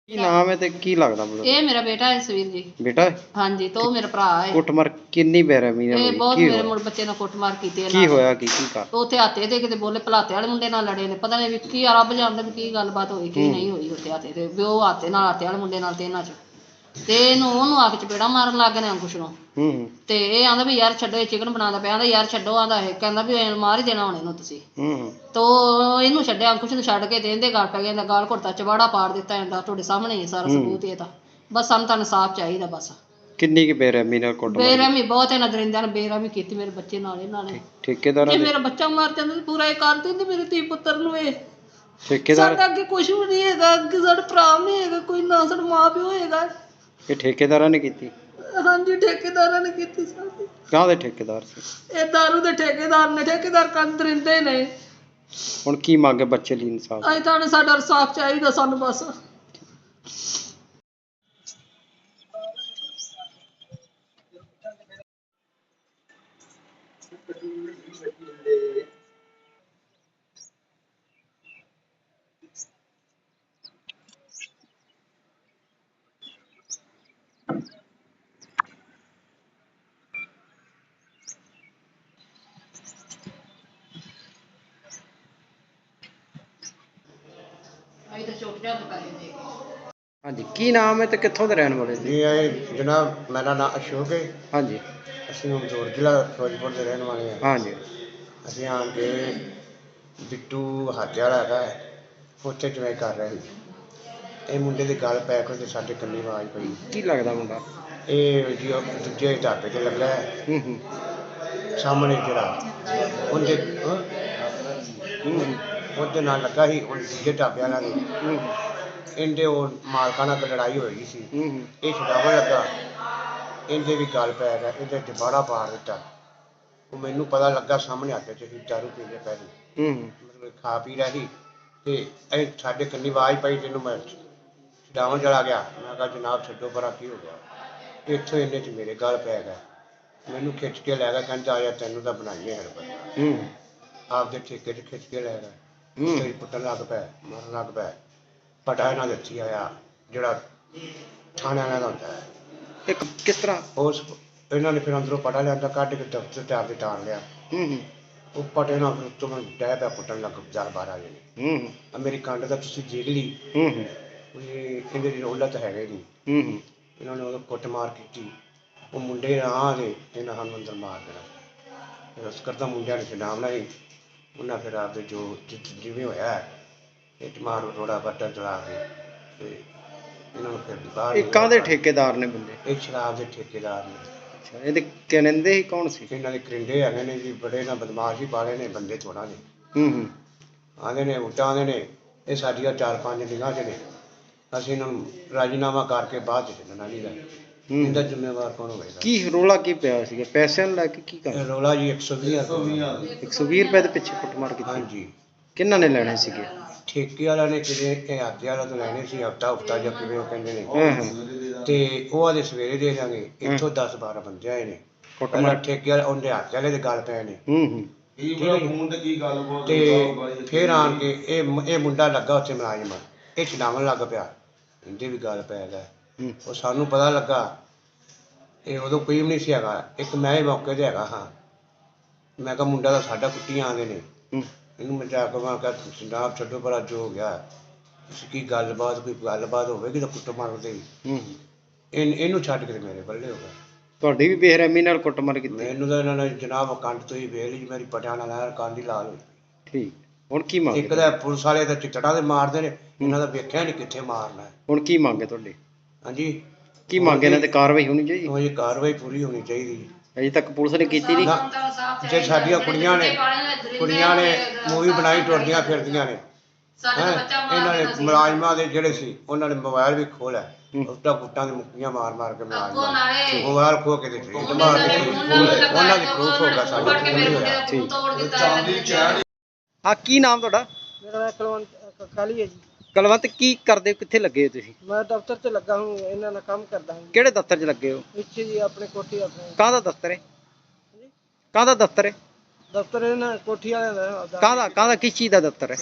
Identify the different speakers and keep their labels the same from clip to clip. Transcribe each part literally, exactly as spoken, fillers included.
Speaker 1: ਕੀ ਨਾਮ ਹੈ ਤੇ ਕੀ ਲੱਗਦਾ ਮੈਨੂੰ?
Speaker 2: ਇਹ ਮੇਰਾ ਬੇਟਾ ਹੈ ਸਵੀਰ ਜੀ।
Speaker 1: ਬੇਟਾ ਹੈ?
Speaker 2: ਹਾਂਜੀ ਤੇ ਉਹ ਮੇਰਾ ਭਰਾ ਹੈ।
Speaker 1: ਕੁੱਟਮਾਰ ਕਿੰਨੀ ਬੇਰਹਿਮੀ ਨਾਲ
Speaker 2: ਇਹ
Speaker 1: ਹੋਈ?
Speaker 2: ਬਹੁਤ
Speaker 1: ਕੀ
Speaker 2: ਮੇਰੇ
Speaker 1: ਹੋਇਆ?
Speaker 2: ਮੁੰਡੇ ਬੱਚੇ ਨਾਲ ਕੁੱਟਮਾਰ ਕੀਤੀ
Speaker 1: ਕੀ
Speaker 2: ਇਹਨਾਂ ਨੇ।
Speaker 1: ਹੋਇਆ? ਕੀ ਕੀ ਕਰ
Speaker 2: ਉੱਥੇ ਹਾਤੇ ਤੇ ਕਿਤੇ ਬੋਲੇ ਭਲਾਤੇ ਵਾਲੇ ਮੁੰਡੇ ਨਾਲ ਲੜੇ ਨੇ, ਪਤਾ ਨਹੀਂ ਵੀ ਕੀ ਆ, ਰੱਬ ਜਾਣਦਾ ਵੀ ਕੀ ਗੱਲਬਾਤ ਹੋਈ ਕੀ ਨਹੀਂ ਹੋਈ ਉੱਥੇ ਹਾਤੇ ਤੇ, ਵੀ ਉਹ ਹਾਤੇ ਨਾਲ ਹਾਤੇ ਵਾਲੇ ਮੁੰਡੇ ਨਾਲ ਤੇ ਇਹਨਾਂ ਚ ਤੇ ਇਹਨੂੰ ਉਹਨੂੰ ਆ ਕੇ ਚਪੇੜਾ ਮਾਰਨ ਲੱਗ ਗਏ ਨੇ ਅੰਕੁਸ਼ ਨੂੰ।
Speaker 1: ਹੂੰ
Speaker 2: ਤੇ ਇਹ ਆਂਦਾ ਵੀ ਯਾਰ ਛੱਡੋ, ਇਹ ਚਿਕਨ ਬਣਾਉਂਦਾ ਪਿਆ, ਆਂਦਾ ਯਾਰ ਛੱਡੋ, ਆਂਦਾ ਇਹ ਕਹਿੰਦਾ ਵੀ ਮਾਰ ਹੀ ਦੇਣਾ ਹੁਣ ਇਹਨੂੰ ਤੁਸੀਂ।
Speaker 1: ਹੂੰ
Speaker 2: ਤੋ ਇਹਨੂੰ ਛੱਡਿਆ, ਅੰਕੁਸ਼ ਨੂੰ ਛੱਡ ਕੇ ਤੇ ਇਹਦੇ ਗਲ ਪੈ ਗਿਆ, ਇਹਦਾ ਗਾਲ ਘੁੱਟਦਾ, ਚਵਾੜਾ ਪਾੜ ਦਿੱਤਾ ਇਹਦਾ, ਤੁਹਾਡੇ ਸਾਹਮਣੇ ਹੀ ਸਾਰਾ ਸਬੂਤ ਇਹ ਤਾਂ। ਬਸ ਸਾਨੂੰ ਤਾਂ ਇਨਸਾਫ ਚਾਹੀਦਾ ਬਸ।
Speaker 1: ਕਿੰਨੀ ਕੁ ਬੇਰਹਿਮੀ ਨਾਲ ਕੁੱਟਮਾਰ?
Speaker 2: ਬੇਰਹਿਮੀ ਬਹੁਤ ਇਹਨਾਂ ਦਰਿੰਦਿਆਂ ਨੇ ਬੇਰਹਿਮੀ ਕੀਤੀ ਮੇਰੇ ਬੱਚੇ ਨਾਲ ਇਹਨਾਂ ਨੇ।
Speaker 1: ਠੇਕੇਦਾਰਾਂ
Speaker 2: ਜੇ
Speaker 1: ਦੇ?
Speaker 2: ਮੇਰਾ ਬੱਚਾ ਮਰ ਜਾਂਦਾ ਤਾਂ ਪੂਰਾ ਇਹ ਕਰ ਦਿੰਦੇ ਮੇਰੇ ਧੀ ਪੁੱਤਰ ਨੂੰ। ਇਹ
Speaker 1: ਠੇਕੇਦਾਰ?
Speaker 2: ਸਾਡਾ ਅੱਗੇ ਕੁਝ ਵੀ ਨਹੀਂ ਹੈਗਾ, ਅੱਗੇ ਸਾਡਾ ਭਰਾ ਨਹੀਂ ਹੈਗਾ ਕੋਈ, ਨਾ ਸਾਡਾ ਮਾਂ ਪਿਓ ਹੈਗਾ।
Speaker 1: ਇਹ ਠੇਕੇਦਾਰਾਂ ਨੇ ਕੀਤੀ?
Speaker 2: ਹਾਂਜੀ ਠੇਕੇਦਾਰਾਂ ਨੇ ਕੀਤੀ ਸਾਡੀ।
Speaker 1: ਕਾਹਦੇ ਠੇਕੇਦਾਰ ਸੀ?
Speaker 2: ਇਹ ਦਾਰੂ ਦੇ ਠੇਕੇਦਾਰ ਨੇ, ਠੇਕੇਦਾਰ ਕੰਨ ਦਰਿੰਦੇ ਨੇ।
Speaker 1: ਹੁਣ ਕੀ ਮੰਗੇ ਬੱਚੇ ਲਈ ਇਨਸਾਫ?
Speaker 2: ਅਸੀਂ ਤਾਂ ਸਾਡਾ ਇਨਸਾਫ ਚਾਹੀਦਾ ਸਾਨੂੰ ਬਸ। ਅਸੀਂ ਤਾਂ ਛੋਟੇ ਜਿਹੇ ਪੈਸੇ ਦੇ ਕੇ।
Speaker 1: ਹਾਂਜੀ ਕੀ ਨਾਮ ਹੈ ਤੇ ਕਿੱਥੋਂ ਦੇ ਰਹਿਣ ਵਾਲੇ ਜੀ?
Speaker 3: ਜੀ ਇਹ ਜਨਾਬ ਮੇਰਾ ਨਾਮ ਅਸ਼ੋਕ ਹੈ।
Speaker 1: ਹਾਂਜੀ
Speaker 3: ਅਸੀਂ ਮਮਦੂਰ ਜ਼ਿਲ੍ਹਾ ਫਿਰੋਜ਼ਪੁਰ ਦੇ ਰਹਿਣ ਵਾਲੇ ਹਾਂ।
Speaker 1: ਹਾਂਜੀ
Speaker 3: ਅਸੀਂ ਆਣ ਕੇ ਬਿੱਟੂ ਹਾਤੇ ਵਾਲਾ ਹੈਗਾ ਉੱਥੇ ਜਿਵੇਂ ਕਰ ਰਹੇ ਸੀ, ਇਹ ਮੁੰਡੇ ਦੇ ਗਲ ਪੈ ਕੇ ਤੇ ਸਾਡੇ ਕੰਨੀ ਆਵਾਜ਼ ਪਈ।
Speaker 1: ਕੀ ਲੱਗਦਾ ਮੁੰਡਾ?
Speaker 3: ਇਹ ਜੀ ਉਹ ਦੂਜੇ ਢਾਬੇ 'ਤੇ ਲੱਗਾ ਹੈ
Speaker 1: ਹੂੰ ਹੂੰ
Speaker 3: ਸਾਹਮਣੇ ਜਿਹੜਾ ਉਹਦੇ ਹਾਂ?
Speaker 1: ਹੂੰ
Speaker 3: ਉਹਦੇ ਨਾਲ ਲੱਗਾ ਸੀ ਉਹ ਦੂਜੇ ਢਾਬੇ ਵਾਲਾ ਦੇ।
Speaker 1: ਹੂੰ
Speaker 3: ਇਹਦੇ ਉਹ ਮਾਲਕਾਂ ਨਾਲ ਲੜਾਈ ਹੋਈ ਸੀ,
Speaker 1: ਹੂੰ
Speaker 3: ਇਹ ਛਡਾਵਣ ਲੱਗਾ, ਇਹਦੇ ਵੀ ਗਲ ਪੈ ਗਿਆ, ਇਹਦੇ ਚਪਾੜਾ ਪਾੜ ਦਿੱਤਾ। ਉਹ ਮੈਨੂੰ ਪਤਾ ਲੱਗਾ ਸਾਹਮਣੇ ਹੱਥ 'ਚ ਅਸੀਂ ਦਾਰੂ ਪੀਂਦੇ ਪਏ ਸੀ,
Speaker 1: ਹੂੰ
Speaker 3: ਮਤਲਬ ਖਾ ਪੀ ਰਿਹਾ ਸੀ ਤੇ ਇਹ ਸਾਡੇ ਕੰਨੀ ਆਵਾਜ਼ ਪਈ, ਤੈਨੂੰ ਮੈਂ ਛਡਾਵਣ ਚਲਾ ਗਿਆ। ਮੈਂ ਕਿਹਾ ਜਨਾਬ ਛੱਡੋ ਪਰਾਂ, ਕੀ ਹੋ ਗਿਆ? ਇੱਥੋਂ ਇਹਨੇ 'ਚ ਮੇਰੇ ਗਲ ਪੈ ਗਿਆ, ਮੈਨੂੰ ਖਿੱਚ ਕੇ ਲੈ ਗਿਆ, ਕਹਿੰਦਾ ਆ ਜਾ ਤੈਨੂੰ ਤਾਂ ਬਣਾਈਏ ਹਰ ਬੰਦਾ।
Speaker 1: ਹੂੰ
Speaker 3: ਆਪਦੇ ਠੇਕੇ 'ਚ ਖਿੱਚ ਕੇ ਲੈ ਗਿਆ,
Speaker 1: ਹੂੰ
Speaker 3: ਤੇਰੀ ਪੁੱਟਣ ਲੱਗ ਪਿਆ, ਮਾਰਨ ਲੱਗ ਪਿਆ। ਪਟਾ ਇਹਨਾਂ ਦੇ ਹੱਥੀਂ ਆਇਆ ਜਿਹੜਾ ਥਾਣੇ ਵਾਲਿਆਂ ਦਾ ਹੁੰਦਾ ਹੈ।
Speaker 1: ਇੱਕ ਕਿਸ ਤਰ੍ਹਾਂ?
Speaker 3: ਉਸ ਇਹਨਾਂ ਨੇ ਫਿਰ ਅੰਦਰੋਂ ਪਟਾ ਲਿਆਂਦਾ, ਕੱਢ ਕੇ ਦਫ਼ਤਰ ਤੇ ਆਪਦੇ ਟਾਲ ਲਿਆ।
Speaker 1: ਹੂੰ ਹੂੰ
Speaker 3: ਉਹ ਪਟੇ ਨਾਲ ਫਿਰ ਉੱਤੋਂ ਮੈਨੂੰ ਡਹਿ ਪਿਆ ਪੁੱਟਣ ਲੱਗ ਦਸ ਬਾਰਾਂ ਜਣੇ।
Speaker 1: ਹੂੰ
Speaker 3: ਆ ਮੇਰੀ ਕੰਡ ਦਾ ਤੁਸੀਂ ਦੇਖ ਲਈ,
Speaker 1: ਹੂੰ ਹੂੰ
Speaker 3: ਇਹ ਕਹਿੰਦੇ ਦੀ ਰੌਲਾ ਤਾਂ ਹੈਗਾ ਹੀ ਨਹੀਂ।
Speaker 1: ਹੂੰ ਹੂੰ
Speaker 3: ਇਹਨਾਂ ਨੇ ਉਦੋਂ ਕੁੱਟਮਾਰ ਕੀਤੀ, ਉਹ ਮੁੰਡੇ ਆ ਦੇ ਇਹਨਾਂ ਸਾਨੂੰ ਅੰਦਰ ਮਾਰ ਦੇਣਾ। ਫਿਰ ਉਸ ਕਰਦਾ ਮੁੰਡਿਆਂ ਨੇ ਛਡਾਵਣਾ ਸੀ, ਉਹਨਾਂ ਫਿਰ ਆਪਦੇ ਜੋ ਜਿ- ਜਿਵੇਂ ਹੋਇਆ ਇੱਟ ਮਾਰ ਰੋੜਾ ਬੱਟਾ ਚਲਾ ਕੇ ਤੇ ਇਹਨਾਂ ਨੂੰ ਫਿਰ ਬਾਹਰ
Speaker 1: ਇਹ ਕਾਹਦੇ ਠੇਕੇਦਾਰ ਨੇ ਬੰਦੇ?
Speaker 3: ਇਹ ਸ਼ਰਾਬ ਦੇ ਠੇਕੇਦਾਰ ਨੇ।
Speaker 1: ਅੱਛਾ ਇਹਦੇ ਕਹਿੰਦੇ ਹੀ ਕੌਣ ਸੀ?
Speaker 3: ਇਹਨਾਂ ਦੇ ਕਰਿੰਡੇ ਹੈਗੇ ਨੇ ਜੀ, ਬੜੇ ਨਾ ਬਦਮਾਸ਼ ਹੀ ਪਾਲੇ ਨੇ ਬੰਦੇ ਥੋੜਾ ਨੇ।
Speaker 1: ਹੂੰ ਹੂੰ
Speaker 3: ਆਂਦੇ ਨੇ ਉਲਟਾ ਆਂਦੇ ਨੇ ਇਹ ਸਾਡੀਆਂ ਚਾਰ ਪੰਜ ਨਿਗਾਹ 'ਚ ਨੇ, ਅਸੀਂ ਇਹਨਾਂ ਨੂੰ ਰਾਜੀਨਾਮਾ ਕਰਕੇ ਬਾਅਦ 'ਚ ਛੱਡਣਾ ਨਹੀਂ ਗਾ।
Speaker 1: ਹੂੰ
Speaker 3: ਇਹਦਾ ਜ਼ਿੰਮੇਵਾਰ ਕੌਣ ਹੋਵੇਗਾ?
Speaker 1: ਕੀ ਰੌਲਾ ਕੀ ਪਿਆ ਸੀਗਾ? ਪੈਸਿਆਂ ਨੂੰ ਲੈ ਕੇ ਕੀ ਕਰ?
Speaker 3: ਇਹ ਰੌਲਾ ਜੀ ਇੱਕ ਸੌ ਵੀਹ ਰੁਪਏ।
Speaker 1: ਇੱਕ ਸੌ ਵੀਹ ਰੁਪਏ ਦੇ ਪਿੱਛੇ ਕੁੱਟਮਾਰ ਕੀਤੀ?
Speaker 3: ਹਾਂਜੀ
Speaker 1: ਕਿਹਨਾਂ ਨੇ ਲੈਣੇ ਸੀਗੇ?
Speaker 3: ਠੇਕੇ ਵਾਲਾ ਨੇ ਕਿਤੇ ਇਹ ਹਾਤੇ ਵਾਲਾ ਤੋਂ ਲੈਣੇ ਸੀ, ਹਫਤਾ ਹਫਤਾ ਜਾਂ ਕਿਵੇਂ ਉਹ ਕਹਿੰਦੇ ਨੇ,
Speaker 1: ਹਾਂ ਹਾਂ
Speaker 3: ਤੇ ਉਹ ਆਦੇ ਸਵੇਰੇ ਦੇ ਦਾਂਗੇ। ਇੱਥੋਂ ਦਸ ਬਾਰਾਂ ਬੰਦੇ ਆਏ ਨੇ, ਪਹਿਲਾਂ
Speaker 1: ਕੁੱਟਮਾਰ?
Speaker 3: ਠੇਕੇ ਵਾਲੇ ਉਹਦੇ ਹਾਤੇ ਵਾਲੇ ਦੇ ਗੱਲ ਪਏ ਨੇ।
Speaker 1: ਹੂੰ ਹੂੰ
Speaker 3: ਠੀਕ ਹੈ ਜੀ। ਤੇ ਫਿਰ ਆਣ ਕੇ ਇਹ ਮ- ਇਹ ਮੁੰਡਾ ਲੱਗਾ ਉੱਥੇ ਮੁਲਾਜ਼ਮ, ਇਹ ਛਡਾਵਣ ਲੱਗ ਪਿਆ, ਇਹਦੇ ਵੀ ਗੱਲ ਪੈ ਗਿਆ।
Speaker 1: ਹੂੰ
Speaker 3: ਉਹ ਸਾਨੂੰ ਪਤਾ ਲੱਗਾ, ਇਹ ਉਦੋਂ ਕੋਈ ਵੀ ਨਹੀਂ ਸੀ ਹੈਗਾ, ਇੱਕ ਮੈਂ ਹੀ ਮੌਕੇ 'ਤੇ ਹੈਗਾ ਹਾਂ। ਮੈਂ ਕਿਹਾ ਮੁੰਡਾ ਤਾਂ ਸਾਡਾ ਕੁੱਟੀਆਂ ਆਉਂਦੇ ਨੇ,
Speaker 1: ਹੂੰ
Speaker 3: ਇਹਨੂੰ ਮੈਂ ਜਾ ਕੇ ਮੈਂ ਕਿਹਾ ਜਨਾਬ ਛੱਡੋ ਪਰਾਂ, ਜੋ ਹੋ ਗਿਆ ਤੁਸੀਂ ਕੀ ਗੱਲਬਾਤ ਕੋਈ ਗੱਲਬਾਤ ਹੋਵੇਗੀ ਤਾਂ ਕੁੱਟ ਮਾਰਦੇ ਹੀ।
Speaker 1: ਹੂੰ
Speaker 3: ਇਹ ਇਹਨੂੰ ਛੱਡ ਕੇ ਮੇਰੇ ਬੱਲੇ ਹੋ ਗਿਆ।
Speaker 1: ਤੁਹਾਡੀ ਵੀ ਬੇਰਹਿਮੀ ਨਾਲ ਕੁੱਟਮਾਰ ਕੀਤੀ?
Speaker 3: ਮੈਨੂੰ ਤਾਂ ਇਹਨਾਂ ਨੇ ਜਨਾਬ ਕੰਡ ਤੋਂ ਹੀ ਵੇਲ ਹੀ ਮੇਰੀ ਪਟਿਆਂ ਨਾਲ ਲੈਣ ਕੰਡ ਹੀ ਲਾਲ ਹੋਈ।
Speaker 1: ਠੀਕ ਹੁਣ ਕੀ ਮੰਗੇ?
Speaker 3: ਇੱਕ ਤਾਂ ਪੁਲਿਸ ਵਾਲੇ ਤਾਂ ਚਿੱਟੜਾਂ ਦੇ ਮਾਰਦੇ ਨੇ, ਇਹਨਾਂ ਦਾ ਵੇਖਿਆ ਨਹੀਂ ਕਿੱਥੇ ਮਾਰਨਾ ਹੈ।
Speaker 1: ਹੁਣ ਕੀ ਮੰਗੇ ਤੁਹਾਡੇ?
Speaker 3: ਹਾਂਜੀ
Speaker 1: ਕੀ ਮੰਗੇ? ਇਹਨਾਂ ਤੇ ਕਾਰਵਾਈ ਹੋਣੀ ਚਾਹੀਦੀ?
Speaker 3: ਉਹ ਇਹ ਕਾਰਵਾਈ ਪੂਰੀ ਹੋਣੀ ਚਾਹੀਦੀ।
Speaker 1: ਅਜੇ ਤੱਕ ਪੁਲਿਸ ਨੇ ਕੀਤੀ ਨਹੀਂ?
Speaker 3: ਨਾ, ਜੇ ਸਾਡੀਆਂ ਕੁੜੀਆਂ ਨੇ ਕੁੜੀਆਂ ਨੇ ਮੂਵੀ ਬਣਾਈ ਟੁਰਦੀਆਂ ਫਿਰਦੀਆਂ ਨੇ, ਹੈਂ ਇਹਨਾਂ ਨੇ ਮੁਲਾਜ਼ਮਾਂ ਦੇ ਜਿਹੜੇ ਸੀ ਉਹਨਾਂ ਨੇ ਮੋਬਾਈਲ ਵੀ ਖੋਲਿਆ, ਉੱਟਾ ਗੁੱਟਾਂ ਦੀ ਮੁੱਕੀਆਂ ਮਾਰ ਮਾਰ ਕੇ ਮੁਲਾਜ਼ਮਾਂ ਮੋਬਾਈਲ ਖੋ ਕੇ ਦਿੱਤੇ, ਮਾਰ ਕੇ ਉਹਨਾਂ ਦੀ ਪ੍ਰੂਫ ਹੋਗਾ ਸਾਡੇ ਕੋਲ ਹੋਇਆ।
Speaker 1: ਠੀਕ ਹਾਂ ਕੀ ਨਾਮ ਤੁਹਾਡਾ?
Speaker 4: ਮੇਰਾ ਨਾਮ ਕੁਲਵੰਤ ਕਾਲੀ ਹੈ ਜੀ।
Speaker 1: ਕਲਵੰਤ ਕੀ ਕਰਦੇ ਹੋ? ਕਿੱਥੇ ਲੱਗੇ ਹੋ ਤੁਸੀਂ?
Speaker 4: ਮੈਂ ਦਫ਼ਤਰ 'ਚ ਲੱਗਾ ਹੂੰ, ਇਹਨਾਂ ਨਾਲ ਕੰਮ ਕਰਦਾ ਹੂੰ।
Speaker 1: ਕਿਹੜੇ ਦਫ਼ਤਰ 'ਚ ਲੱਗੇ ਹੋ?
Speaker 4: ਇੱਥੇ ਜੀ ਆਪਣੇ ਕੋਠੀ ਆਪਣੇ
Speaker 1: ਕਾਹਦਾ ਦਫ਼ਤਰ ਹੈ? ਕਾਹਦਾ ਦਫ਼ਤਰ ਹੈ?
Speaker 4: ਦਫ਼ਤਰ ਇਹਨਾਂ ਕੋਠੀ ਵਾਲਿਆਂ ਦਾ ਆਪਦਾ।
Speaker 1: ਕਾਹਦਾ ਕਾਹਦਾ ਕਿਸ ਚੀਜ਼ ਦਾ ਦਫ਼ਤਰ ਹੈ?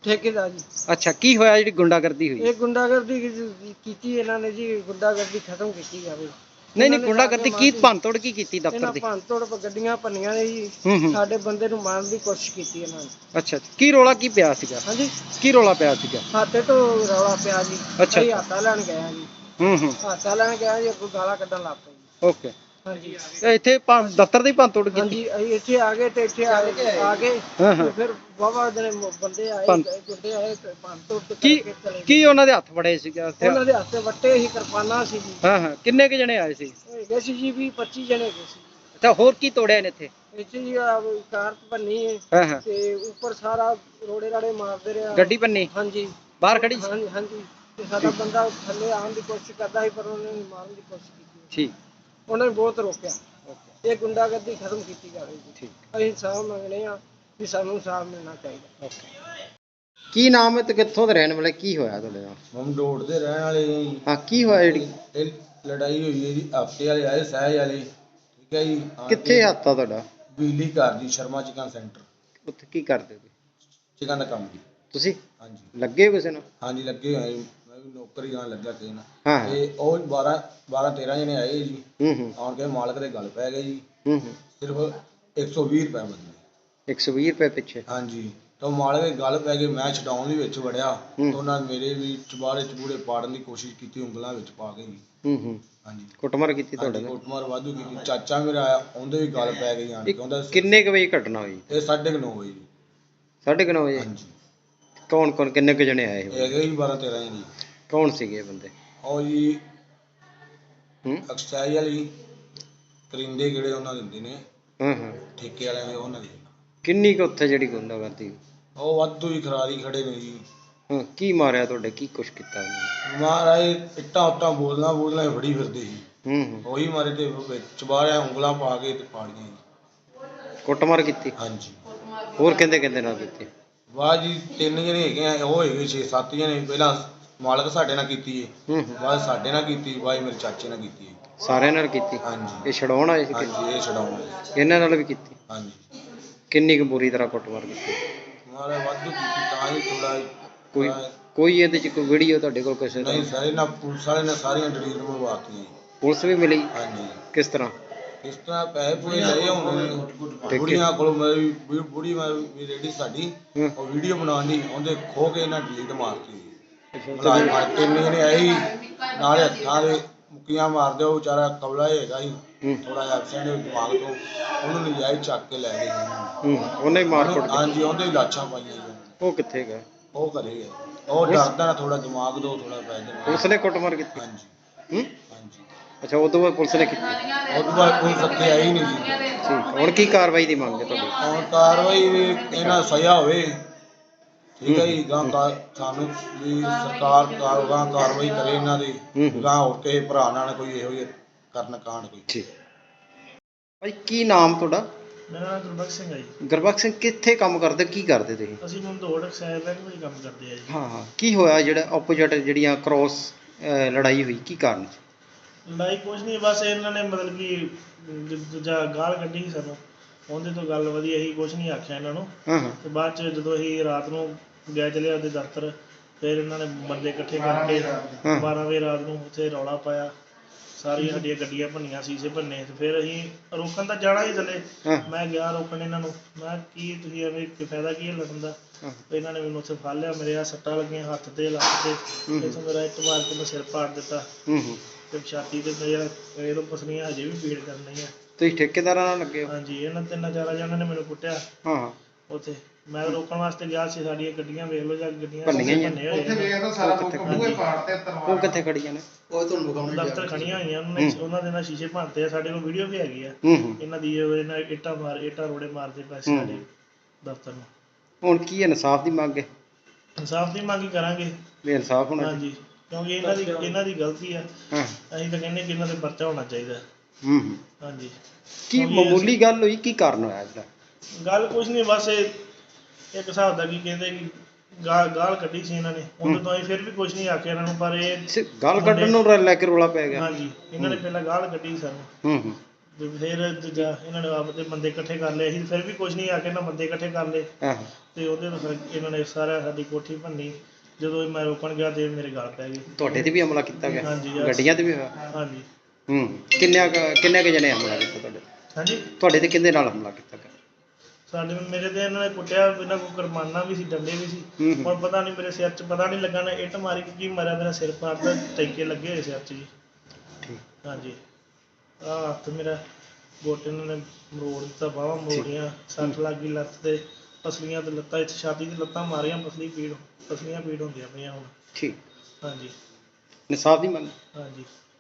Speaker 4: ਠੇਕੇਦਾਰ ਜੀ।
Speaker 1: ਅੱਛਾ, ਕੀ ਹੋਇਆ ਜਿਹੜੀ ਗੁੰਡਾਗਰਦੀ ਹੋਈ?
Speaker 4: ਇਹ ਗੁੰਡਾਗਰਦੀ ਕੀ- ਕੀਤੀ ਇਹਨਾਂ ਨੇ ਜੀ, ਗੁੰਡਾਗਰਦੀ ਖਤਮ ਕੀਤੀ ਜਾਵੇ।
Speaker 1: ਨਹੀਂ ਨਹੀਂ, ਗੁੰਡਾਗਰਦੀ ਕੀ ਭੰਨਤੋੜ ਕੀ ਕੀਤੀ ਦਫ਼ਤਰ
Speaker 4: ਇਹਨਾਂ
Speaker 1: ਦੀ?
Speaker 4: ਭੰਨਤੋੜ ਗੱਡੀਆਂ ਭੰਨੀਆਂ ਨੇ ਜੀ,
Speaker 1: ਹੂੰ ਹੂੰ।
Speaker 4: ਸਾਡੇ ਬੰਦੇ ਨੂੰ ਮਾਰਨ ਦੀ ਕੋਸ਼ਿਸ਼ ਕੀਤੀ ਇਹਨਾਂ ਨੇ।
Speaker 1: ਅੱਛਾ, ਕੀ ਰੋਲਾ ਕੀ ਪਿਆ ਸੀਗਾ?
Speaker 4: ਹਾਂਜੀ,
Speaker 1: ਕੀ ਰੋਲਾ ਪਿਆ ਸੀਗਾ?
Speaker 4: ਹਾਤੇ ਤੋਂ ਰੌਲਾ ਪਿਆ ਜੀ।
Speaker 1: ਅੱਛਾ।
Speaker 4: ਅਸੀਂ ਹਾਤਾ ਲੈਣ ਗਏ ਆ ਜੀ,
Speaker 1: ਹੂੰ ਹੂੰ।
Speaker 4: ਹਾਤਾ ਲੈਣ ਗਿਆ ਜੀ, ਅੱਗੋਂ ਗਾਲਾਂ ਕੱਢਣ ਲੱਗ ਪਏ ਜੀ।
Speaker 1: ਓਕੇ।
Speaker 4: ਹਾਂਜੀ
Speaker 1: ਤੇ ਇੱਥੇ ਭੰਨ- ਦਫ਼ਤਰ ਦੀ ਭੰਨਤੋੜ ਕੀਤੀ?
Speaker 4: ਹਾਂਜੀ, ਅਸੀਂ ਇੱਥੇ ਆ ਗਏ ਤੇ ਇੱਥੇ ਆ ਗਏ ਆ ਗਏ
Speaker 1: ਹਾਂ ਹਾਂ।
Speaker 4: ਤੇ ਫਿਰ ਵਾਹਵਾ ਜਿਹੜੇ ਬੰਦੇ ਆਏ,
Speaker 1: ਭੰਨ-
Speaker 4: ਗੁੰਡੇ ਆਏ ਤੇ ਭੰਨਤੋੜ ਤੇ
Speaker 1: ਕੀ
Speaker 4: ਕਰਕੇ ਚਲੇ ਗਏ।
Speaker 1: ਕੀ ਉਹਨਾਂ ਦੇ ਹੱਥ ਫੜੇ ਸੀਗਾ ਉੱਥੇ?
Speaker 4: ਉਹਨਾਂ ਦੇ ਹੱਥੇ ਵੱਟੇ ਸੀ, ਕਿਰਪਾਨਾਂ ਸੀ ਜੀ।
Speaker 1: ਹਾਂ ਹਾਂ, ਕਿੰਨੇ ਕੁ ਜਣੇ ਆਏ ਸੀ?
Speaker 4: ਹੈਗੇ ਸੀ ਜੀ ਵੀਹ ਪੱਚੀ ਜਣੇ ਹੈਗੇ ਸੀ।
Speaker 1: ਅੱਛਾ, ਹੋਰ ਕੀ ਤੋੜਿਆ ਨੇ ਇੱਥੇ?
Speaker 4: ਇੱਥੇ ਜੀ ਆਹ ਕਾਰ ਭੰਨੀ ਹੈ
Speaker 1: ਹਾਂ ਹਾਂ।
Speaker 4: ਤੇ ਉੱਪਰ ਸਾਰਾ ਰੋੜੇ ਰਾੜੇ ਮਾਰਦੇ ਰਿਹਾ।
Speaker 1: ਗੱਡੀ ਭੰਨੀ
Speaker 4: ਹਾਂਜੀ
Speaker 1: ਬਾਹਰ ਖੜੀ ਸੀ?
Speaker 4: ਹਾਂਜੀ ਹਾਂਜੀ, ਤੇ ਸਾਡਾ ਬੰਦਾ ਥੱਲੇ ਆਉਣ ਦੀ ਕੋਸ਼ਿਸ਼ ਕਰਦਾ ਸੀ, ਪਰ ਉਹਨੇ ਮਾਰਨ ਦੀ ਕੋਸ਼ਿਸ਼ ਕੀਤੀ।
Speaker 1: ਠੀਕ।
Speaker 4: ਉਹਨਾਂ ਨੇ ਬਹੁਤ ਰੋਕਿਆ।
Speaker 1: ਓਕੇ
Speaker 4: ਇਹ ਗੁੰਡਾਗਰਦੀ ਖਤਮ ਕੀਤੀ ਜਾਵੇ ਜੀ।
Speaker 1: ਠੀਕ।
Speaker 4: ਅਸੀਂ ਇਨਸਾਫ ਮੰਗਦੇ ਆ ਵੀ ਸਾਨੂੰ ਇਨਸਾਫ ਮਿਲਣਾ ਚਾਹੀਦਾ।
Speaker 1: ਓਕੇ। ਕੀ ਨਾਮ ਹੈ ਤੇ ਕਿੱਥੋਂ ਦੇ ਰਹਿਣ ਵਾਲੇ? ਕੀ ਹੋਇਆ ਤੁਹਾਡੇ ਨਾਲ?
Speaker 3: ਹਮ ਡੋੜ ਦੇ ਰਹਿਣ ਵਾਲੇ ਜੀ।
Speaker 1: ਹਾਂ, ਕੀ ਹੋਇਆ ਜਿਹੜੀ?
Speaker 3: ਇਹ ਲੜਾਈ ਹੋਈ ਹੈ ਜੀ, ਹਫਤੇ ਵਾਲੇ ਆਏ ਸਹਿਜ ਵਾਲੇ, ਠੀਕ ਹੈ ਜੀ। ਆਣ
Speaker 1: ਕਿੱਥੇ
Speaker 3: ਕੇ
Speaker 1: ਹੱਥਾ ਤੁਹਾਡਾ?
Speaker 3: ਬਿਜਲੀ ਘਰ ਦੀ ਸ਼ਰਮਾ ਚਿਕਨ ਸੈਂਟਰ,
Speaker 1: ਉੱਥੇ ਕੀ ਕਰਦੇ ਹੋ
Speaker 3: ਚਿਕਨ ਦਾ ਕੰਮ ਜੀ।
Speaker 1: ਤੁਸੀਂ?
Speaker 3: ਹਾਂਜੀ
Speaker 1: ਲੱਗੇ ਹੋ ਕਿਸੇ ਨਾਲ?
Speaker 3: ਹਾਂਜੀ, ਲੱਗੇ ਹੋਏ ਜੀ। ਮੈਂ ਵੀ ਨੌਕਰੀ ਨਾਲ ਲੱਗਾ ਕਿਸੇ ਨਾਲ।
Speaker 1: ਹਾਂ ਹਾਂ।
Speaker 3: ਤੇ ਉਹ ਬਾਰਾਂ ਬਾਰਾਂ ਤੇਰਾਂ ਜਣੇ ਆਏ ਜੀ।
Speaker 1: ਹੂੰ ਹੂੰ
Speaker 3: ਆਉਣ ਕੇ ਮਾਲਕ ਦੇ ਗੱਲ ਪੈ ਗਏ ਜੀ।
Speaker 1: ਹੂੰ ਹੂੰ।
Speaker 3: ਸਿਰਫ ਇੱਕ ਸੌ ਵੀਹ ਰੁਪਏ ਬਦਲੇ।
Speaker 1: ਇੱਕ ਸੌ ਵੀਹ ਰੁਪਏ ਪਿੱਛੇ?
Speaker 3: ਹਾਂਜੀ, ਤਾਂ ਮਾਲਕ ਦੇ ਗੱਲ ਪੈ ਗਏ। ਮੈਂ ਛਡਾਉਣ ਦੇ ਵਿੱਚ ਵੜਿਆ,
Speaker 1: ਹੂੰ।
Speaker 3: ਤਾਂ ਉਹਨਾਂ ਨੇ ਮੇਰੇ ਵੀ ਚਬਾੜੇ ਚਬੂੜੇ ਪਾੜਨ ਦੀ ਕੋਸ਼ਿਸ਼ ਕੀਤੀ, ਉਂਗਲਾਂ ਵਿੱਚ ਪਾ ਕੇ ਜੀ।
Speaker 1: ਹੂੰ ਹੂੰ।
Speaker 3: ਹਾਂਜੀ,
Speaker 1: ਕੁੱਟਮਾਰ ਕੀਤੀ ਤੁਹਾਡੇ
Speaker 3: ਹਾਂਜੀ,
Speaker 1: ਨਾਲ?
Speaker 3: ਕੁੱਟਮਾਰ ਵਾਧੂ ਕੀਤੀ। ਚਾਚਾ ਮੇਰਾ ਆਇਆ, ਉਹਦੇ ਵੀ ਗੱਲ ਪੈ ਗਈ ਆਣ ਕੇ।
Speaker 1: ਇਹ
Speaker 3: ਉਹਦਾ
Speaker 1: ਕਿੰਨੇ ਕੁ ਵਜੇ ਘਟਨਾ ਹੋਈ?
Speaker 3: ਇਹ ਸਾਢੇ ਕੁ ਨੌ ਵਜੇ ਜੀ।
Speaker 1: ਸਾਢੇ ਕੁ ਨੌ ਵਜੇ?
Speaker 3: ਹਾਂਜੀ,
Speaker 1: ਕੌਣ ਕੌਣ ਕਿੰਨੇ ਕੁ ਜਣੇ ਆਏ
Speaker 3: ਇਹ
Speaker 1: ਹੋਏ?
Speaker 3: ਹੈਗੇ ਜੀ ਬਾਰਾਂ ਤੇਰਾਂ ਜਣੇ ਜੀ।
Speaker 1: ਕੌਣ ਸੀਗੇ ਇਹ ਬੰਦੇ?
Speaker 3: ਉਹ ਜੀ
Speaker 1: ਹੂੰ
Speaker 3: ਐਕਸਾਈਜ਼ ਵਾਲੀ ਕਰਿੰਦੇ ਕਿਹੜੇ ਉਹਨਾਂ ਦਿੰਦੇ ਨੇ,
Speaker 1: ਹਾਂ ਹਾਂ।
Speaker 3: ਠੇਕੇ ਵਾਲਿਆਂ ਦੇ, ਉਹਨਾਂ ਦੇ।
Speaker 1: ਕਿੰਨੀ ਕੁ ਉੱਥੇ ਜਿਹੜੀ ਗੁੰਡਾਗਰਦੀ?
Speaker 3: ਉਹ ਵਾਧੂ ਹੀ ਖਰਾਰੀ ਖੜੇ ਨੇ ਜੀ।
Speaker 1: ਹਾਂ, ਕੀ ਮਾਰਿਆ ਤੁਹਾਡੇ? ਕੀ ਕੁਛ ਕੀਤਾ ਉਹਨੇ?
Speaker 3: ਮਹਾਰਾਜ ਇੱਟਾਂ ਉੱਟਾਂ ਬੋਲਣਾ ਬੋਲਣਾ ਫੜੀ ਫਿਰਦੇ ਸੀ।
Speaker 1: ਹੂੰ ਹੂੰ।
Speaker 3: ਉਹੀ ਮਾਰੇ ਤੇ ਚਬਾਰਿਆ, ਉਂਗਲਾਂ ਪਾ ਕੇ ਤੇ ਪਾੜੀਆਂ ਜੀ।
Speaker 1: ਕੁੱਟਮਾਰ ਕੀਤੀ?
Speaker 3: ਹਾਂਜੀ।
Speaker 1: ਹੋਰ ਕਹਿੰਦੇ ਕਹਿੰਦੇ ਨਾਲ ਕੀਤੀ?
Speaker 3: ਵਾਹ ਜੀ, ਤਿੰਨ ਜਣੇ ਹੈਗੇ ਆ, ਉਹ ਹੈਗੇ ਛੇ ਸੱਤ ਜਣੇ। ਪਹਿਲਾਂ ਮਾਲਕ ਸਾਡੇ ਨਾਲ ਕੀਤੀ ਹੈ,
Speaker 1: ਹੂੰ ਹੂੰ।
Speaker 3: ਬਾਅਦ ਸਾਡੇ ਨਾਲ ਕੀਤੀ, ਬਾਅਦ ਮੇਰੇ ਚਾਚੇ ਨਾਲ ਕੀਤੀ ਹੈ।
Speaker 1: ਸਾਰਿਆਂ ਨਾਲ ਕੀਤੀ?
Speaker 3: ਹਾਂਜੀ
Speaker 1: ਇਹ ਛਡਾਉਣ ਆਏ ਸੀ?
Speaker 3: ਹਾਂਜੀ, ਇਹ ਛਡਾਉਣਾ।
Speaker 1: ਇਹਨਾਂ ਨਾਲ ਵੀ ਕੀਤੀ?
Speaker 3: ਹਾਂਜੀ,
Speaker 1: ਕਿੰਨੀ ਕੁ ਬੁਰੀ ਤਰ੍ਹਾਂ ਕੁੱਟਮਾਰ ਕੀਤੀ?
Speaker 3: ਮਹਾਰਾਜ ਵਾਧੂ ਕੀਤੀ, ਤਾਂ ਹੀ ਥੋੜਾ
Speaker 1: ਕੋਈ ਕੋਈ ਇਹਦੇ ਚ ਕੋਈ ਵੀਡੀਓ ਤੁਹਾਡੇ ਕੋਲ ਕਿਸੇ ਦਾ?
Speaker 3: ਨਹੀਂ, ਸਾਰੇ ਨਾਲ ਪੁਲਿਸ ਵਾਲੇ ਨੇ ਸਾਰੀਆਂ ਡਿਲੀਟ ਮੰਗਵਾਤੀਆਂ ਜੀ।
Speaker 1: ਪੁਲਿਸ ਵੀ ਮਿਲੀ?
Speaker 3: ਹਾਂਜੀ।
Speaker 1: ਕਿਸ ਤਰ੍ਹਾਂ?
Speaker 3: ਇਸ ਤਰ੍ਹਾਂ ਪੈਸੇ ਪੂਰੇ ਲਏ ਹੁੰਦੇ ਨੇ ਬੁੜੀਆਂ ਕੋਲੋਂ। ਮੇਰੀ ਬੁ- ਬੁੜੀ ਮੇਰੀ ਲੇਡੀ ਸਾਡੀ,
Speaker 1: ਹੂੰ।
Speaker 3: ਉਹ ਵੀਡੀਓ ਬਣਾਉਣ ਦੀ, ਉਹਦੇ ਖੋ ਕੇ ਇਹਨਾਂ ਡਿਲੀਟ ਮਾਰਤੀ।
Speaker 1: ਅੱਛਾ,
Speaker 3: ਮੁਲਾਜ਼ਮ ਮਾਰ ਤਿੰਨ ਜਣੇ ਆਏ ਸੀ, ਨਾਲੇ ਹੱਥਾਂ ਦੇ ਮੁੱਕੀਆਂ ਮਾਰਦੇ। ਉਹ ਵਿਚਾਰਾ ਕਬਲਾ ਹੈਗਾ ਸੀ,
Speaker 1: ਹੂੰ
Speaker 3: ਥੋੜਾ ਜਿਹਾ ਐਬਸੈਂਟ ਦਿਮਾਗ ਤੋਂ, ਉਹਨੂੰ ਨਜਾਇਜ਼ ਚੱਕ ਕੇ ਲੈ ਗਏ ਜੀ।
Speaker 1: ਹੂੰ। ਉਹਨੇ ਵੀ ਮਾਰ ਕੁੱਟ ਕੀਤੀ?
Speaker 3: ਹਾਂਜੀ, ਉਹਦੇ ਵੀ ਲਾਸ਼ਾਂ ਪਾਈਆਂ ਜੀ।
Speaker 1: ਉਹ ਕਿੱਥੇ ਗਏ?
Speaker 3: ਉਹ ਘਰੇ ਗਏ। ਉਹ ਡਰਦਾ ਨਾ, ਥੋੜਾ ਦਿਮਾਗ ਦੋ ਥੋੜਾ ਪੈ ਜਾਂਦਾ।
Speaker 1: ਪੁਲਿਸ ਨੇ ਕੁੱਟਮਾਰ ਕੀਤੀ?
Speaker 3: ਹਾਂਜੀ
Speaker 1: ਹੂੰ।
Speaker 3: ਹਾਂਜੀ।
Speaker 1: ਅੱਛਾ, ਉਦੋਂ ਬਾਅਦ ਪੁਲਿਸ ਨੇ ਕੀਤੀ?
Speaker 3: ਉਹ ਤੋਂ ਬਾਅਦ ਪੁਲਿਸ ਇੱਥੇ ਆਈ ਨਹੀਂ ਜੀ।
Speaker 1: ਠੀਕ। ਹੁਣ ਕੀ ਕਾਰਵਾਈ ਦੀ ਮੰਗ ਹੈ ਤੁਹਾਡੀ?
Speaker 3: ਹੁਣ ਕਾਰਵਾਈ ਵੀ ਇਹਨਾਂ ਸਜ਼ਾ ਹੋਵੇ, ਠੀਕ ਹੈ ਜੀ। ਗਾਂ ਕਾ ਸਾਨੂੰ ਵੀ ਸਰਕਾਰ ਕਾਰ- ਗਾਂ ਕਾਰਵਾਈ ਕਰੇ ਇਹਨਾਂ ਦੀ,
Speaker 1: ਹੂੰ।
Speaker 3: ਗਾਂ ਹੋਰ ਕਿਸੇ ਭਰਾ ਨਾਲ ਕੋਈ ਇਹੋ ਜਿਹੇ ਕਰਨ ਕਾਂਡ ਕੋਈ।
Speaker 1: ਠੀਕ। ਭਾਈ, ਕੀ ਨਾਮ ਤੁਹਾਡਾ?
Speaker 5: ਮੇਰਾ ਨਾਮ ਗੁਰਬਖਸ਼ ਸਿੰਘ ਹੈ ਜੀ।
Speaker 1: ਗੁਰਬਖਸ਼ ਸਿੰਘ, ਕਿੱਥੇ ਕੰਮ ਕਰਦੇ? ਕੀ ਕਰਦੇ ਤੁਸੀਂ?
Speaker 5: ਅਸੀਂ ਮੰਦੋੜ ਐਕਸਾਈਜ਼ ਬੈਂਕ ਵਿੱਚ ਕੰਮ ਕਰਦੇ ਆ ਜੀ।
Speaker 1: ਹਾਂ ਹਾਂ। ਕੀ ਹੋਇਆ ਜਿਹੜਾ ਆਪੋਜੀਟ ਜਿਹੜੀਆਂ ਕ੍ਰੋਸ ਲੜਾਈ ਹੋਈ, ਕੀ ਕਾਰਨ ਸੀ?
Speaker 5: ਲੜਾਈ ਕੁਛ ਨਹੀਂ, ਬਸ ਇਹਨਾਂ ਨੇ ਮਤਲਬ ਕਿ ਦ- ਦੂਜਾ ਗਾਲ ਕੱਢੀ ਸੀ ਸਾਨੂੰ, ਉਹਦੇ ਤੋਂ ਗੱਲ ਵਧੀਆ ਸੀ, ਕੁਛ ਨਹੀਂ ਆਖਿਆ ਇਹਨਾਂ ਨੂੰ।
Speaker 1: ਹਾਂ ਹਾਂ।
Speaker 5: ਤੇ ਬਾਅਦ ਚ ਜਦੋਂ ਅਸੀਂ ਰਾਤ ਨੂੰ ਗਏ ਚਲੇ ਉਹਦੇ ਦਫ਼ਤਰ, ਫਿਰ ਇਹਨਾਂ ਨੇ ਬੰਦੇ ਇਕੱਠੇ ਕਰਕੇ
Speaker 1: ਹਾਂ।
Speaker 5: ਬਾਰਾਂ ਵਜੇ ਰਾਤ ਨੂੰ ਉੱਥੇ ਰੌਲਾ ਪਾਇਆ, ਸਾਰੀਆਂ ਸਾਡੀਆਂ ਗੱਡੀਆਂ ਭੰਨੀਆਂ, ਸ਼ੀਸ਼ੇ ਭੰਨੇ। ਤੇ ਫਿਰ ਅਸੀਂ ਰੋਕਣ ਤਾਂ ਜਾਣਾ ਹੀ ਥੱਲੇ,
Speaker 1: ਹਾਂ।
Speaker 5: ਮੈਂ ਗਿਆ ਰੋਕਣ ਇਹਨਾਂ ਨੂੰ। ਮੈਂ ਕੀ ਤੁਸੀਂ ਐਵੇਂ ਕੀ ਫਾਇਦਾ ਕੀ ਹੈ ਲੜਨ ਦਾ?
Speaker 1: ਹਾਂ।
Speaker 5: ਤੇ ਇਹਨਾਂ ਨੇ ਮੈਨੂੰ ਉੱਥੇ ਫੜ ਲਿਆ, ਮੇਰੇ ਆ ਸੱਟਾਂ ਲੱਗੀਆਂ ਹੱਥ ਤੇ ਲੱਕ ਤੇ,
Speaker 1: ਹੂੰ।
Speaker 5: ਇੱਥੋਂ ਮੇਰਾ ਇੱਟ ਮਾਰ ਕੇ ਮੈਂ ਸਿਰ ਪਾੜ ਦਿੱਤਾ,
Speaker 1: ਹੂੰ ਹੂੰ।
Speaker 5: ਤੇ ਛਾਤੀ ਤੇ ਮੇਰਾ ਇਹ ਪਸਲੀਆਂ ਹਜੇ ਵੀ ਪੀੜ ਕਰ ਰਹੀਆਂ।
Speaker 1: ਤੁਸੀਂ ਠੇਕੇਦਾਰਾਂ ਨਾਲ ਲੱਗੇ ਹੋ?
Speaker 5: ਹਾਂਜੀ, ਇਹਨਾਂ ਤਿੰਨਾਂ ਚਾਰਾਂ ਜਣਿਆਂ ਨੇ ਮੈਨੂੰ ਕੁੱਟਿਆ
Speaker 1: ਹਾਂ ਹਾਂ।
Speaker 5: ਉੱਥੇ। ਮੈਂ ਰੋਕਣ ਵਾਸਤੇ ਗਿਆ ਸੀ, ਸਾਡੀਆਂ ਗੱਡੀਆਂ ਵੇਖ ਲਓ, ਜਾਂ ਗੱਡੀਆਂ
Speaker 1: ਭੰਨੀਆਂ ਹੀ ਆ।
Speaker 5: ਭੰਨੇ ਹੋਏ ਨੇ।
Speaker 1: ਉਹ ਕਿੱਥੇ ਖੜੀਆਂ ਨੇ?
Speaker 5: ਦਫ਼ਤਰ ਖੜੀਆਂ ਹੋਈਆਂ, ਉਹਨਾਂ ਨੇ ਉਹਨਾਂ ਦੇ ਨਾਲ ਸ਼ੀਸ਼ੇ ਭੰਨਤੇ ਆ। ਸਾਡੇ ਕੋਲ ਵੀਡੀਓ ਵੀ ਹੈਗੀ ਆ
Speaker 1: ਹੂੰ ਹੂੰ।
Speaker 5: ਇਹਨਾਂ ਦੀ, ਉਹ ਇਹਨਾਂ ਇੱਟਾਂ ਮਾਰ ਇੱਟਾਂ ਰੋੜੇ ਮਾਰਦੇ ਪਏ ਸੀ ਸਾਡੇ ਦਫ਼ਤਰ ਨੂੰ।
Speaker 1: ਹੁਣ ਕੀ ਇਨਸਾਫ ਦੀ ਮੰਗ ਹੈ?
Speaker 5: ਇਨਸਾਫ ਦੀ ਮੰਗ ਹੀ ਕਰਾਂਗੇ।
Speaker 1: ਵੀ ਇਨਸਾਫ ਹੋਣਾ ਚਾਹੀਦਾ।
Speaker 5: ਹਾਂਜੀ, ਕਿਉਂਕਿ ਇਹਨਾਂ ਦੀ ਇਹਨਾਂ ਦੀ ਗਲਤੀ ਆ।
Speaker 1: ਹਾਂ।
Speaker 5: ਅਸੀਂ ਤਾਂ ਕਹਿੰਦੇ ਕਿ ਇਹਨਾਂ ਤੇ ਪਰਚਾ ਹੋਣਾ ਚਾਹੀਦਾ।
Speaker 1: ਹੂੰ ਹੂੰ।
Speaker 5: ਹਾਂਜੀ।
Speaker 1: ਕੀ
Speaker 5: ਕਿਉਂਕਿ
Speaker 1: ਮਾਮੂਲੀ ਗੱਲ ਹੋਈ? ਕੀ ਕਾਰਨ ਹੋਇਆ ਇਹਦਾ?
Speaker 5: ਗੱਲ ਕੁਛ ਨਹੀਂ, ਬਸ ਇਹ ਇੱਕ ਹਿਸਾਬ ਦਾ ਕੀ ਕਹਿੰਦੇ ਕਿ ਗਾਲ ਗਾਲ ਕੱਢੀ ਸੀ ਇਹਨਾਂ ਨੇ, ਉਹਦੇ ਤੋਂ ਅਸੀਂ ਫਿਰ ਵੀ ਕੁਛ ਨਹੀਂ ਆਖਿਆ ਇਹਨਾਂ ਨੂੰ, ਪਰ ਇਹ
Speaker 1: ਸਿਰਫ ਗਾਲ ਕੱਢਣ ਨੂੰ ਲੈ ਕੇ ਰੌਲਾ ਪੈ ਗਿਆ?
Speaker 5: ਹਾਂਜੀ, ਇਹਨਾਂ ਨੇ ਪਹਿਲਾਂ ਗਾਲ ਕੱਢੀ ਸਾਨੂੰ।
Speaker 1: ਹੂੰ ਹੂੰ।
Speaker 5: ਤੇ ਫਿਰ ਦੂਜਾ ਇਹਨਾਂ ਨੇ ਆਪਦੇ ਬੰਦੇ ਇਕੱਠੇ ਕਰ ਲਏ ਅਸੀਂ ਫਿਰ ਵੀ ਕੁਝ ਨਹੀਂ ਆ ਕੇ ਇਹਨਾਂ ਬੰਦੇ ਇਕੱਠੇ ਕਰ ਲਏ
Speaker 1: ਆਹੋ
Speaker 5: ਤੇ ਉਹਦੇ ਤੋਂ ਫਿਰ ਇਹਨਾਂ ਨੇ ਸਾਰਾ ਸਾਡੀ ਕੋਠੀ ਭੰਨੀ। ਜਦੋਂ ਮੈਂ ਰੋਕਣ ਗਿਆ ਤੇ ਮੇਰੇ ਗਲ ਪੈ ਗਏ।
Speaker 1: ਤੁਹਾਡੇ ਤੇ ਵੀ ਹਮਲਾ ਕੀਤਾ ਗਿਆ?
Speaker 5: ਹਾਂਜੀ
Speaker 1: ਗੱਡੀਆਂ ਤੇ ਵੀ ਹੋਇਆ?
Speaker 5: ਹਾਂਜੀ
Speaker 1: ਹੂੰ ਕਿੰਨੇ ਕੁ- ਕਿੰਨੇ ਕੁ ਜਣੇ ਹਮਲਾ ਕੀਤਾ ਤੁਹਾਡੇ ਤੇ?
Speaker 5: ਹਾਂਜੀ
Speaker 1: ਤੁਹਾਡੇ ਤੇ ਕਿਹਦੇ ਨਾਲ ਹਮਲਾ ਕੀਤਾ ਗਿਆ?
Speaker 5: ਸਾਡੇ ਮੇਰੇ ਤੇ ਇਹਨਾਂ ਨੇ ਕੁੱਟਿਆ, ਇਹਨਾਂ ਕੋਲ ਕਰਮਾਨਾ ਵੀ ਸੀ, ਡੰਡੇ ਵੀ ਸੀ।
Speaker 1: ਹੂੰ ਹੂੰ
Speaker 5: ਹੁਣ ਪਤਾ ਨਹੀਂ ਮੇਰੇ ਸਿਰ 'ਚ ਪਤਾ ਨਹੀਂ ਲੱਗਾ ਨਾ ਇੱਟ ਮਾਰੀ ਕਿ ਕੀ ਮਾਰਿਆ, ਮੇਰਾ ਸਿਰ ਪਾੜਦਾ, ਟੈਂਕੇ ਲੱਗੇ ਹੋਏ ਸਿਰ 'ਚ ਜੀ।
Speaker 1: ਠੀਕ।
Speaker 5: ਹਾਂਜੀ ਆਹ ਹੱਥ ਮੇਰਾ ਗੋਟੇ ਇਹਨਾਂ ਨੇ ਮਰੋੜ ਦਿੱਤਾ, ਬਾਹਾਂ ਮਰੋੜੀਆਂ, ਸੱਟ ਲੱਗ ਗਈ ਲੱਤ ਤੇ, ਪਸਲੀਆਂ ਤੇ ਲੱਤਾਂ, ਇੱਥੇ ਛਾਤੀ ਤੇ ਲੱਤਾਂ ਮਾਰੀਆਂ, ਪਸਲੀ ਪੀੜ ਪਸਲੀਆਂ ਪੀੜ ਹੁੰਦੀਆਂ ਪਈਆਂ ਹੁਣ।
Speaker 1: ਠੀਕ।
Speaker 5: ਹਾਂਜੀ
Speaker 1: ਇਨਸਾਫ ਦੀ ਮੰਗ?
Speaker 5: ਹਾਂਜੀ।